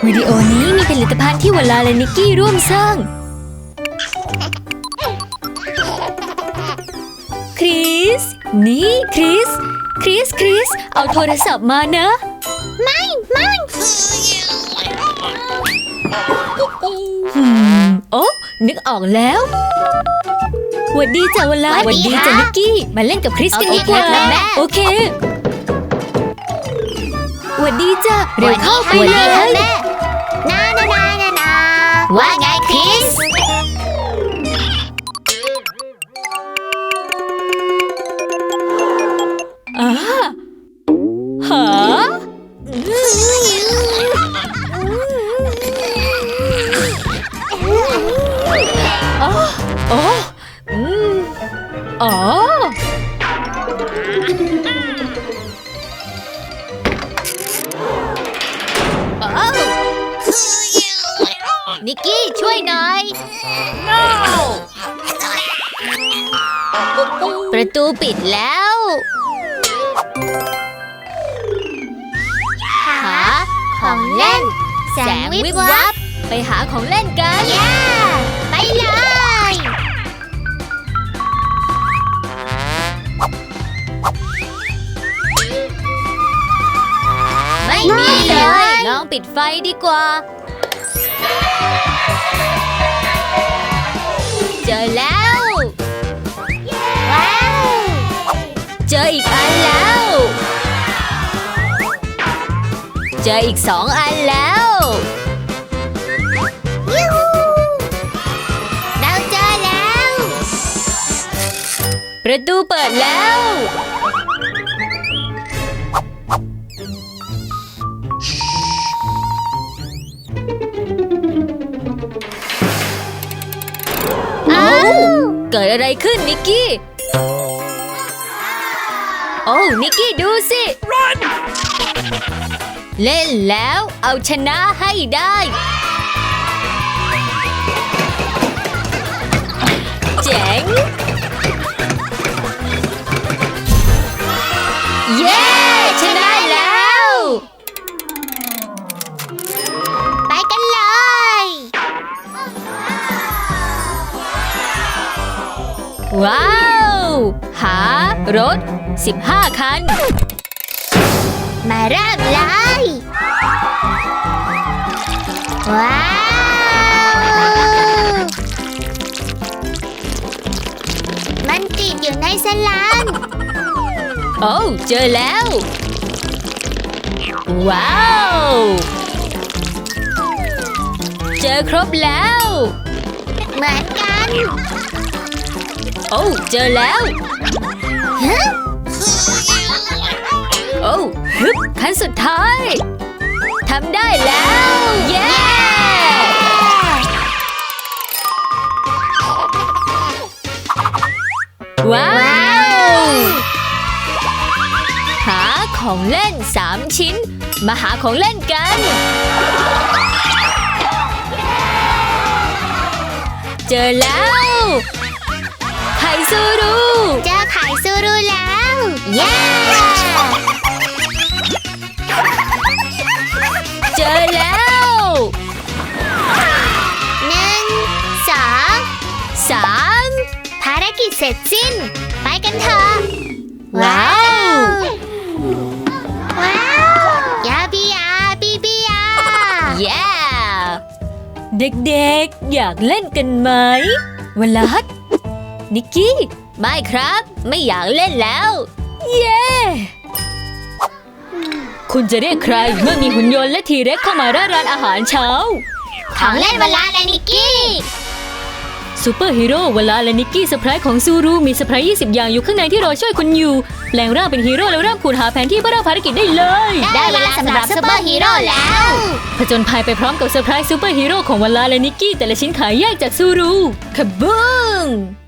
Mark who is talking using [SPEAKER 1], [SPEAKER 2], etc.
[SPEAKER 1] วิดีโอนี้มีผลิตภัณฑ์ที่วลาและนิกกี้ร่วมสร้างคริสนี่คริสเอาโทรศัพท์มานะไม่โอ้นึกออกแล้วหวัดดีจ้ะวลาหวัดดีจ้ะนิกกี้มาเล่นกับคริสกันดีกว่าโอเคหวัดดีจ้ะเร็วเข้าไปเลย
[SPEAKER 2] นาว่าไงคริส
[SPEAKER 1] หาอ๋อ
[SPEAKER 2] นิกกี้ช่วยหน่อย ประตูปิดแล้วหาของเล่นแสงวิบวับ
[SPEAKER 1] ไปหาของเล่นกัน
[SPEAKER 2] ไปเลยไม่มีเลย
[SPEAKER 1] ลองปิดไฟดีกว่า
[SPEAKER 2] เจอแล้วว้าว
[SPEAKER 1] เจออีกอันแล้วเจออีก2 อันแล้ว
[SPEAKER 2] เราเจอแล้ว
[SPEAKER 1] ประตูเปิดแล้วเกิดอะไรขึ้นนิกกี้โอ้นิกกี้ดูสิ Run! เล่นแล้วเอาชนะให้ได้เจ๋งเย้ชนะแล้ว
[SPEAKER 2] ไปกันเลย
[SPEAKER 1] ว้าวหารถ15 คัน
[SPEAKER 2] มาเริ่มเลยว้าวมันติดอยู่ในสลาม
[SPEAKER 1] โอ้เจอแล้วว้าวเจอครบแล้ว
[SPEAKER 2] เหมือนกัน
[SPEAKER 1] โอ้เจอแล้วโอ้ฮึบขั้นสุดท้ายทำได้แล้วเย้ว้าวหาของเล่น3 ชิ้นมาหาของเล่นกันเจอแล้วไข่ซูรุ
[SPEAKER 2] เจอไข่ซูรุแล้วเย้
[SPEAKER 1] เจอแล้ว
[SPEAKER 2] 1 2 3ภารกิจเสร็จสิ้นไปกันเถอะ
[SPEAKER 1] ว้า
[SPEAKER 2] วยาบียาบีบียา
[SPEAKER 1] เย้เด็กๆอยากเล่นกันไหมวลัดนิกกี้ไม่ครับไม่อยากเล่นแล้วเย้คุณจะเรียกใครเมื่อมีหุ่นยนต์และทีเร็กเข้ามาร่าร้านอาหารเช้า
[SPEAKER 2] ของเล่นวลาและนิกกี้
[SPEAKER 1] ซูเปอร์ฮีโร่วลาและนิกกี้เซอร์ไพรส์ของซูรุมีเซอร์ไพรส์20 อย่างอยู่ข้างในที่รอช่วยคุณอยู่แปลงร่างเป็นฮีโร่แล้วเริ่มขุดหาแผนที่เพื่อเริ่มภารกิจได้เลย
[SPEAKER 2] ได้เวลาสำหรับซูเปอร์ฮีโร่แล้ว
[SPEAKER 1] ผจญภัยไปพร้อมกับเซอร์ไพรส์ซูเปอร์ฮีโร่ของวลาและนิกกี้แต่ละชิ้นขายแยกจากซูรุขบึ้ง